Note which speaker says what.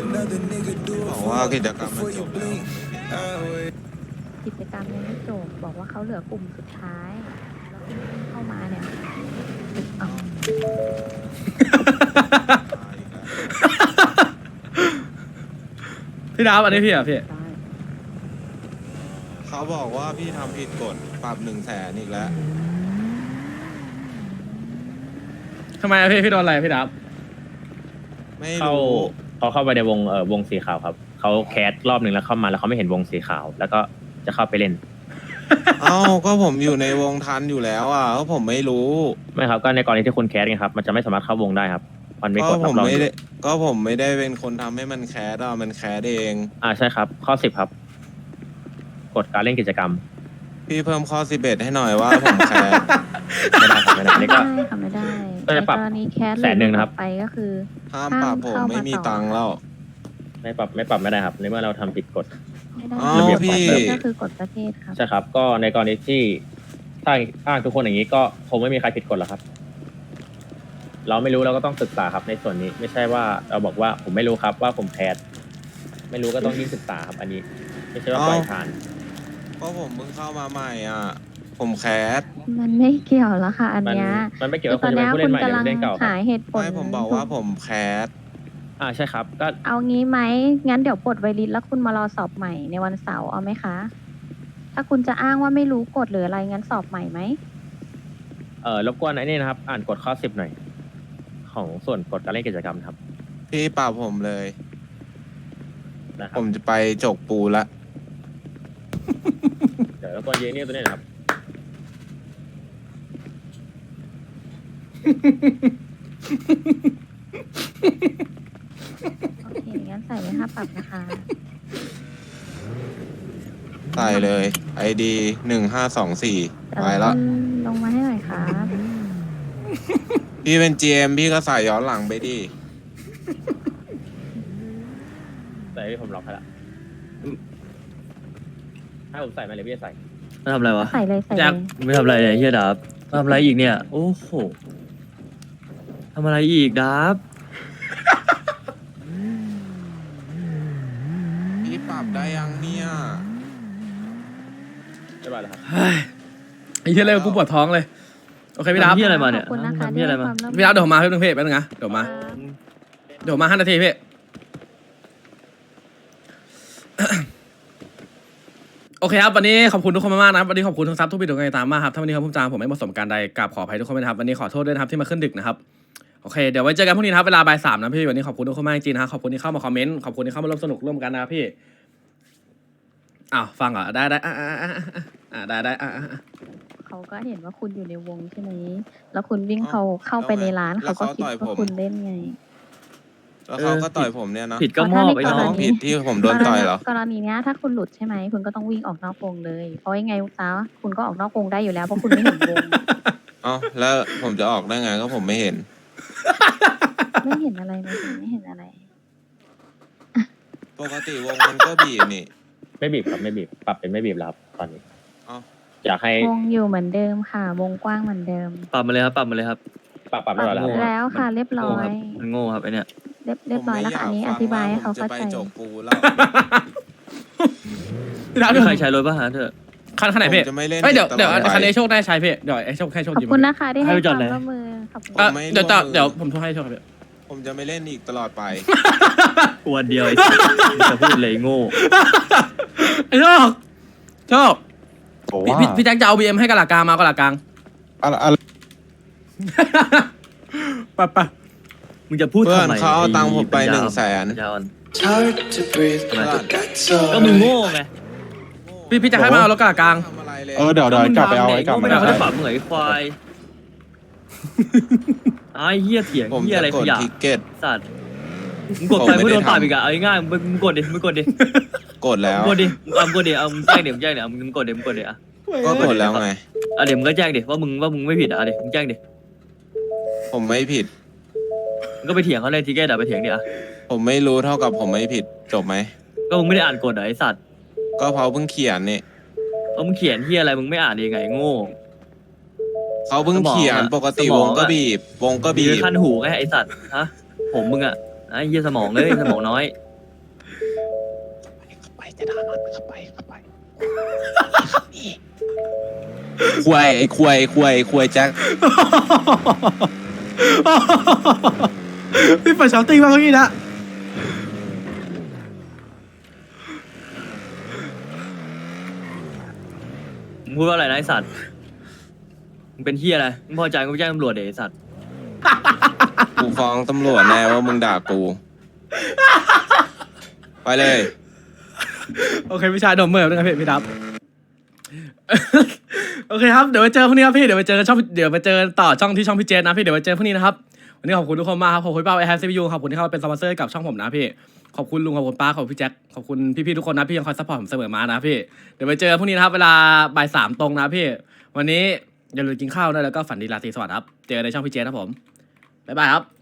Speaker 1: บอกว่ากิจกรรมมันจบแล้ว
Speaker 2: กิจกรรมยังไม่จบบอกว่าเขาเหลือกลุ่มสุดท้ายแล้วคุณเข้ามาเนี่ยเอา
Speaker 3: พี่ดาวอันนี้พี่อ่ะพี่
Speaker 1: เขาบอกว่าพี่ทำผิดกฎปรับ100,000อีกแล้ว
Speaker 3: ทำไมอะพี่โดนอะไรพี่ดาว
Speaker 1: ไม่
Speaker 4: เข้า
Speaker 1: รู้
Speaker 4: เขาเข้าไปในวงสีขาวครับเขาแคสรอบหนึ่งแล้วเข้ามาแล้วเขาไม่เห็นวงสีขาว แล้วก็จะเข้าไปเล่น
Speaker 1: เอ้าก็ผมอยู่ในวงทันอยู่แล้วอ่ะก็ผมไม่รู้
Speaker 4: ไม่ครับก็ในกรณีที่คุณแคสไงครับมันจะไม่สามารถเข้าวงได้ครับมันไม่
Speaker 1: ก็
Speaker 4: กด
Speaker 1: ผ
Speaker 4: รับ
Speaker 1: ม
Speaker 4: รอง
Speaker 1: ไม่ได้ก็ผมไม่ได้เป็นคนทำให้มันแคสอ่ะมันแคสเอง
Speaker 4: ใช่ครับข้อ10ครับกฎการเล่นกิจกรรม
Speaker 1: พี่เพิ่มข้อ11ให้หน่อยว่าผมแคส
Speaker 4: ไม่ได้ครับไม่ได้
Speaker 2: ไม่
Speaker 4: นี่
Speaker 2: ได้
Speaker 4: ก็
Speaker 2: ค่ะไม่ได้
Speaker 4: ก็จะปรับ
Speaker 2: ในกรณีแคส
Speaker 4: 100,000นะครับ
Speaker 2: ไปก็คือ
Speaker 1: ห้ามปรับผม
Speaker 2: เข้ามา
Speaker 1: ไม่มี
Speaker 2: ต่อ
Speaker 1: ตังค์แล้ว
Speaker 4: ไม่ปรับไม่ได้ครับในเมื่อเราทำผิดกฎ
Speaker 2: ไม่ได้
Speaker 1: อ๋อ
Speaker 4: ระเบียบ
Speaker 1: พี่
Speaker 2: ก็คือกฎประเทศครับ
Speaker 4: ใช่ครับก็ในกรณีที่ถ้าอ้างทุกคนอย่างนี้ก็คงไม่มีใครผิดกฎหรอกครับ เราไม่รู้เราก็ต้องศึกษาครับในส่วนนี้ ไม่ใช่ว่าเราบอกว่าผมไม่รู้ครับว่าผมแคสไม่รู้ก็ต้องยิ่งศึกษาครับอันนี้ ไม่ใช่ว่าปล่อยผ่าน
Speaker 1: ก็ผมเพิ่งเข้ามาใหม่อ่ะผมแคส
Speaker 2: มันไม่เกี่ยวแล้วค่ะ อันเนี้ย
Speaker 4: มันไม่เกี่ยว
Speaker 2: คื
Speaker 4: กับ
Speaker 2: อต
Speaker 4: คุ
Speaker 2: อน
Speaker 4: ณจะ
Speaker 2: เนี้
Speaker 4: เป็นผู้เล่นใหม่หรือผู้
Speaker 2: ยคุณกำลัง
Speaker 4: เล่นเก่าค
Speaker 2: หา
Speaker 4: รับ
Speaker 2: เหตุผล
Speaker 1: ไม่ผมบอกว่าผมแคส
Speaker 4: ใช่ครับก็
Speaker 2: เอางี้ไหมงั้นเดี๋ยวปลดไวริสแล้วคุณมารอสอบใหม่ในวันเสาร์เอาไหมคะ ถ้าคุณจะอ้างว่าไม่รู้กฎหรืออะไรงั้นสอบใหม่ไหม
Speaker 4: รบกวนไอ้นี่นะครับ อ่านกฎข้อ10หน่อย ของส่วนกฎการเล่นกิจกรรมครับ
Speaker 1: พี่ปรับผมเลย
Speaker 4: นะครั
Speaker 1: ผ
Speaker 4: บ
Speaker 1: มจะไปจกปูละ
Speaker 4: เดี๋ยวรบกวนยืนนี่ตัวนี้นะครับ
Speaker 2: โอเคงั้นใส่ไว้ค่าปรับนะคะ
Speaker 1: ใส่เลย ID 1524ไปละ
Speaker 2: ลงมาให้หน่อยครับ
Speaker 1: พี่เป็น GM พี่ก็ใส่ย้อนหลังไปดิ
Speaker 4: ใส่ที่ผมล็อกให้ละให้ผมใส่ไหมหรือพี่จะใส่
Speaker 5: มาทำอะไรวะ
Speaker 2: ใส่เลยใส่เล
Speaker 3: แจ็ค
Speaker 2: ย
Speaker 5: ไม่ทำอะไรเนี่ยเฮียดับมาทำอะไรอีกเนี่ย โอ้โหทำอะไรอีกดับ
Speaker 1: พี่ปรับได้ยังเนี่ย
Speaker 4: เรียบร้อยแล้วครับ
Speaker 3: เฮ้ยไอ้เหี้ยเลยกูปวดท้องเลยโอเคพี่ดาว
Speaker 5: ทำเฮียอะไรมาเนี่ย
Speaker 2: ขอบคุณนะคะ
Speaker 5: ทำเฮียอะไรมา
Speaker 2: ที่ให้คว
Speaker 3: พี่ดาวเดี๋ยวผมมาแป๊บนึงพี่แป๊บนึงนะเดี๋ยวมา
Speaker 2: ครับ
Speaker 3: เดี๋ยวมา5 นาทีพี่ โอเคครับวันนี้ขอบคุณทุกคนมากๆนะครับวันนี้ขอบคุณทุกซับทุกบิดทุกการตามมากครับถ้าวันนี้ครับผมจางผมไม่เหมาะสมการใดกราบขออภัยทุกคนด้วยนะครับวันนี้ขอโทษด้วยนะครับที่มาขึ้นดึกนะครับโอเคเดี๋ยวไว้เจอกันพรุ่งนี้นะครับเวลาบ่าย 3นะพี่วันนี้ขอบคุณทุกคนมากจริงๆนะครับขอบคุณที่เข้ามาคอมเมนต์ขอบคุณที่เข้ามาร่วมสนุกร่วมกันนะครับพี่อ้าวฟังเหรอได้ได้
Speaker 2: เขาก็เห็นว่าคุณอยู่ในวงใช่ไหม แล้วคุณวิ่งเข้าไปในร้าน
Speaker 1: แล้ว
Speaker 2: เขาก็คิด
Speaker 1: เขาต่อย
Speaker 2: ว่า
Speaker 1: ผม
Speaker 2: คุณเล่นไง
Speaker 1: แล้วเขาก็ต่อยผมเนี่ยนะ
Speaker 5: ผิดก็มอบไอ้
Speaker 2: เพราะ
Speaker 5: น้
Speaker 2: ถ้า
Speaker 5: อง
Speaker 2: ใน
Speaker 1: ผิดที่ผมโดนต่อยเหรอ
Speaker 2: กรณีเนี้ยถ้าคุณหลุดใช่ไหมคุณก็ต้องวิ่งออกนอกวงเลย เพราะยังไงซะคุณก็ออกนอกวงได้อยู่แล้วเพราะคุณไม่เห็นวง
Speaker 1: เอ้าแล้วผมจะออกได้ไงก็ผมไม่เห็น
Speaker 2: ไม่เห็นอะไรไม่เห็นอะไร
Speaker 1: ปกติวงมันก็บีบนี่
Speaker 4: ไม่บีบครับไม่บีบปรับเป็นไม่บีบแล้วครับตอนนี้
Speaker 1: เอ้า
Speaker 4: อยากให้
Speaker 2: วงอยู่เหมือนเดิมค่ะ วงกว้างเหมือนเดิม
Speaker 5: ปรับมาเลยครับปรับมาเลยครับ
Speaker 4: ปรับเรียบร้อยแล้วครับ
Speaker 2: แล้วค่ะเรียบร้อย
Speaker 5: มันโง่ครับไอเนี่ย
Speaker 2: เรียบร้อยแล้วค่ะอันนี้อธิบายให้เขา
Speaker 1: ผมจะ
Speaker 2: เข้า
Speaker 1: ไป
Speaker 2: ใจ
Speaker 1: จกปูแล้ว
Speaker 3: พี่ดาว
Speaker 5: ไม่
Speaker 3: เดี๋ยว
Speaker 5: ใครใช้รถป่ะฮะเถอะ
Speaker 3: คันไหนพี่
Speaker 1: ผมจะไม่เล่น
Speaker 3: เฮ้ยเดี๋ยว
Speaker 1: ตลอดไป
Speaker 3: คันนี้โชคได้ใช้พี่เดี๋ยวไอ้โชคให้โชค
Speaker 2: ขอบ
Speaker 3: ดี
Speaker 2: คุณนะคะที่ให้
Speaker 5: ให้ไป
Speaker 2: ค
Speaker 5: จอด
Speaker 2: วาม
Speaker 5: ไหน
Speaker 2: ร่วมมือขอบคุณ
Speaker 3: อ่ะ
Speaker 1: ผมไม่
Speaker 3: เดี๋ยว
Speaker 1: ร่วมมือ
Speaker 3: เดี๋ยวผมโทรให้โชคครับพี่
Speaker 1: ผมจะไม่เล่นอีกตลอดไป
Speaker 5: วันเดียวไอ้สัสมึงจะพูดเลยโง่
Speaker 3: ไอ้โชคโชคพี่แจ็คจะเอา BM ให้กะหลากลางมาเอากะหลากลาง
Speaker 1: อะไร
Speaker 3: ไปไป
Speaker 5: มึงจะพูด
Speaker 1: เพื่อน
Speaker 5: ทำไม
Speaker 1: เขาเอาตังค์ผมไป
Speaker 5: อ้
Speaker 1: 100,000
Speaker 5: ยาวอ่อน
Speaker 6: It's hard to breathe,
Speaker 5: Come on.
Speaker 6: but got so
Speaker 5: ก็มึงโง่ไง
Speaker 3: พี่แจ็คให้มาเอารถกะหลากลาง
Speaker 1: ทำอะไรเลย
Speaker 7: เดี๋ยวกลับไปเอาไอ้กลับ
Speaker 5: ไม่
Speaker 7: มา
Speaker 5: ได้เขาจะปรับมึงไอ้ควายไอ้เหี้ยเถียง
Speaker 1: ผม
Speaker 5: เหี้ย
Speaker 1: จะ
Speaker 5: อะไร
Speaker 1: ก
Speaker 5: ข
Speaker 1: ด
Speaker 5: ยะ
Speaker 1: ทิกเก็ต
Speaker 5: สัตว์มึงกดไป
Speaker 1: ผมไม่
Speaker 5: มึงโดน
Speaker 1: ได้
Speaker 5: ปรับ
Speaker 1: ทำ
Speaker 5: อีกอะเอาง่ายๆมึงกดดิมึงกดดิ
Speaker 1: กดแล้ว
Speaker 5: มึงกดดิมึงกดดิเอามึงแจ้งดิมึงแจ้งดิเอามึงกดดิมึงกดดิอ่ะ
Speaker 1: ก็กดแล้วไง
Speaker 5: เดี๋ยวมึงก็แจ้งดิว่ามึงไม่ผิดอ่ะเดี๋ยวมึงแจ้งดิ
Speaker 1: ผมไม่ผิด
Speaker 5: มึงก็ไปเถียงเขาเลยทีแกด่าไปเถียงดิอ่ะ
Speaker 1: ผมไม่รู้เท่ากับผมไม่ผิดจบไหม
Speaker 5: ก็มึงไม่ได้อ่านกฎอ่ะไอ้สัตว์
Speaker 1: ก็เพราะเพิ่งเขียนนี่
Speaker 5: เอามึงเขียนเหี้ยอะไรมึงไม่อ่านยังไงโง่
Speaker 1: เขาเพิ่งเขียน
Speaker 5: สมองอะ
Speaker 1: ปกติ
Speaker 5: สม
Speaker 1: ว
Speaker 5: อง
Speaker 1: ง
Speaker 5: อะ
Speaker 1: ก็บีบ วงก็บี
Speaker 5: มี
Speaker 1: บ
Speaker 5: ขั้นหูไงไอ้สัตว์ฮะผมมึงอ่ะไอ้เหี้ยสมองเลยสมองน้อย
Speaker 1: ควายไอ้ควายแจ็ค
Speaker 3: พี่เปิดช้อตติ้งมาเมื่อกี้นะ
Speaker 5: มึงพูดว่าอะไรนะไอสัตว์มึงเป็นเฮียอะไรมึงพอใจกูไปแจ้งตำรวจเดี๋ยวไอสัตว์
Speaker 1: กูฟ้องตำรวจแน่ว่ามึงด่ากู ไปเลย
Speaker 3: โอเคพี่ชายโดนเมื่อยนะครับพี่ดับ โอเคครับเดี๋ยวไปเจอพรุ่งนี้ครับพี่เดี๋ยวไปเจอกันเดี๋ยวไปเจอต่อช่องที่ช่องพี่เจนนะพี่เดี๋ยวไปเจอพรุ่งนี้นะครับวันนี้ขอบคุณทุกคนมากครับขอบคุณเป้าไอแฮปซีพียูขอบคุณที่เข้ามาเป็นสปอนเซอร์กับช่องผมนะพี่ขอบคุณลุงขอบคุณป้าขอบคุณพี่แจ็คขอบคุณพี่ๆทุกคนนะพี่ยังคอยซัพพอร์ตผมเสมอมานะพี่เดี๋ยวไปเจอพรุ่งนี้นะครับเวลาบ่าย 3ตรงนะพี่วันนี้อย่าลืมกินข้าวด้วยแล้วก็ฝันดีราตรีสวัสดิ์ครับเจอกันในช่องพี่เจนครับผมบ๊ายบายครับ